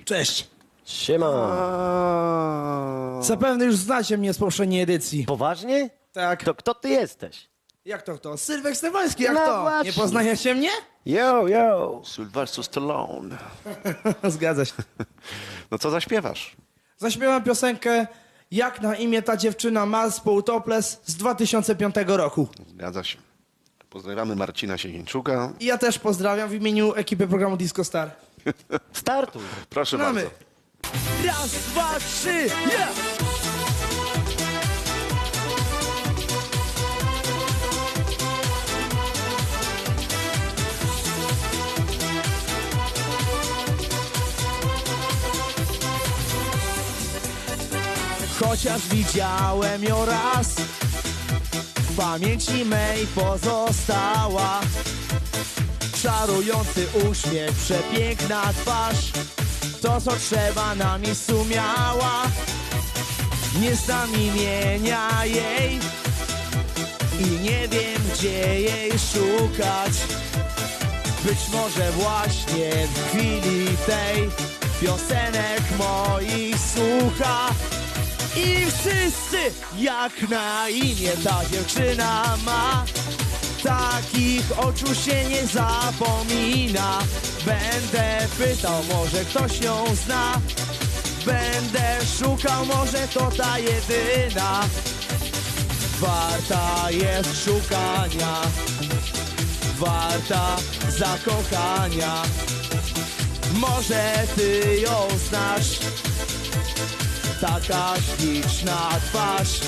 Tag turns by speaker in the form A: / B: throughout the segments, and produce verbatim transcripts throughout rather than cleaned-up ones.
A: Cześć.
B: Siema.
A: Zapewne już znacie mnie z poprzedniej edycji.
B: Poważnie?
A: Tak.
B: To kto ty jesteś?
A: Jak to kto? Sylwek Stefański, jak
B: No
A: to?
B: właśnie.
A: Nie poznajecie mnie?
B: Yo, yo.
C: Sylvester Stallone.
A: Zgadza się.
C: No co zaśpiewasz?
A: Zaśpiewam piosenkę Jak na imię ta dziewczyna ma z Paul Topless z dwa tysiące piątego roku.
C: Zgadza się. Pozdrawiamy Marcina Sienieńczuka.
A: I ja też pozdrawiam w imieniu ekipy programu Disco Star.
B: Startuj.
C: Proszę
A: Mamy.
C: bardzo.
A: Raz, dwa, trzy, yeah! Chociaż widziałem ją raz, w pamięci mej pozostała. Czarujący uśmiech, przepiękna twarz, to co trzeba na miejscu miała. Nie znam imienia jej i nie wiem gdzie jej szukać. Być może właśnie w chwili tej piosenek moich słucha. I wszyscy jak na imię ta dziewczyna ma, takich oczu się nie zapomina. Będę pytał, może ktoś ją zna, będę szukał, może to ta jedyna. Warta jest szukania, warta zakochania. Może ty ją znasz, taka śliczna twarz.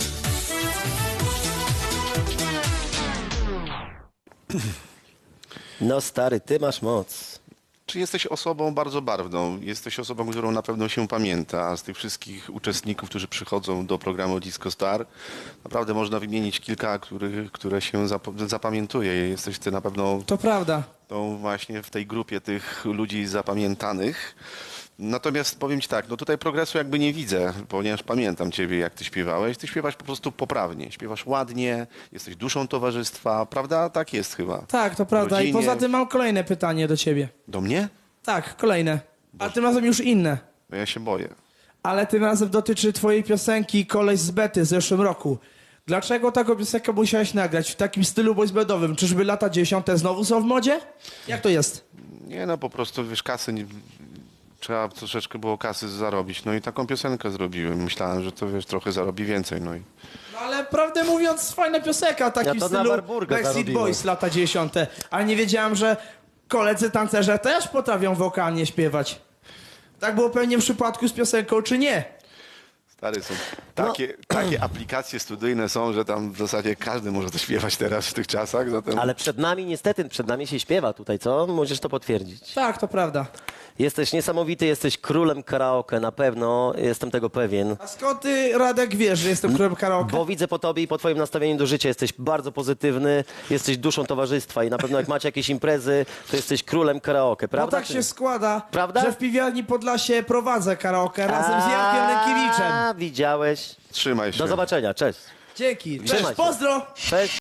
B: No stary, ty masz moc.
C: Czy jesteś osobą bardzo barwną? Jesteś osobą, którą na pewno się pamięta. A z tych wszystkich uczestników, którzy przychodzą do programu Disco Star, naprawdę można wymienić kilka, których, które się zap- zapamiętuje. Jesteś ty na pewno
A: To prawda.
C: tą właśnie w tej grupie tych ludzi zapamiętanych. Natomiast powiem ci tak, no tutaj progresu jakby nie widzę, ponieważ pamiętam ciebie, jak ty śpiewałeś. Ty śpiewasz po prostu poprawnie, śpiewasz ładnie, jesteś duszą towarzystwa, prawda? Tak jest chyba.
A: Tak, to prawda. I
C: Rodzinie.
A: poza tym mam kolejne pytanie do ciebie.
C: Do mnie?
A: Tak, kolejne. A tym razem już inne.
C: No ja się boję.
A: Ale tym razem dotyczy twojej piosenki Koleś z Bety z zeszłym roku. Dlaczego taką piosenkę musiałeś nagrać w takim stylu boysbandowym? Czyżby lata dziesiąte znowu są w modzie? Jak to jest?
C: Nie no, po prostu wiesz, kasy, nie, trzeba troszeczkę było kasy zarobić. No i taką piosenkę zrobiłem. Myślałem, że to wiesz, trochę zarobi więcej. No i
A: No ale prawdę mówiąc, fajna piosenka, taki
B: Ja
A: w
B: to na
A: stylu
B: Warburga
A: Backstreet
B: zarobiłem.
A: Boys lata dziesiąte. Ale nie wiedziałem, że koledzy tancerze też potrafią wokalnie śpiewać. Tak było pewnie w przypadku z piosenką, czy nie?
C: stary, są takie, takie aplikacje studyjne są, że tam w zasadzie każdy może to śpiewać teraz w tych czasach. Zatem...
B: Ale przed nami niestety, przed nami się śpiewa tutaj, co? Możesz to potwierdzić.
A: Tak, to prawda.
B: Jesteś niesamowity, jesteś królem karaoke, na pewno, jestem tego pewien.
A: A skąd ty, Radek, wiesz, że jestem królem karaoke?
B: Bo widzę po tobie i po twoim nastawieniu do życia, jesteś bardzo pozytywny, jesteś duszą towarzystwa i na pewno jak macie jakieś imprezy, to jesteś królem karaoke,
A: No
B: prawda?
A: tak
B: czy
A: się
B: nie?
A: składa,
B: Prawda?
A: że w piwiarni Podlasie prowadzę karaoke razem z Jankiem Rękiewiczem.
B: A, widziałeś.
C: Trzymaj się.
B: Do zobaczenia, cześć.
A: Dzięki.
B: Trzymaj
A: Cześć,
B: się.
A: pozdro!
B: Cześć.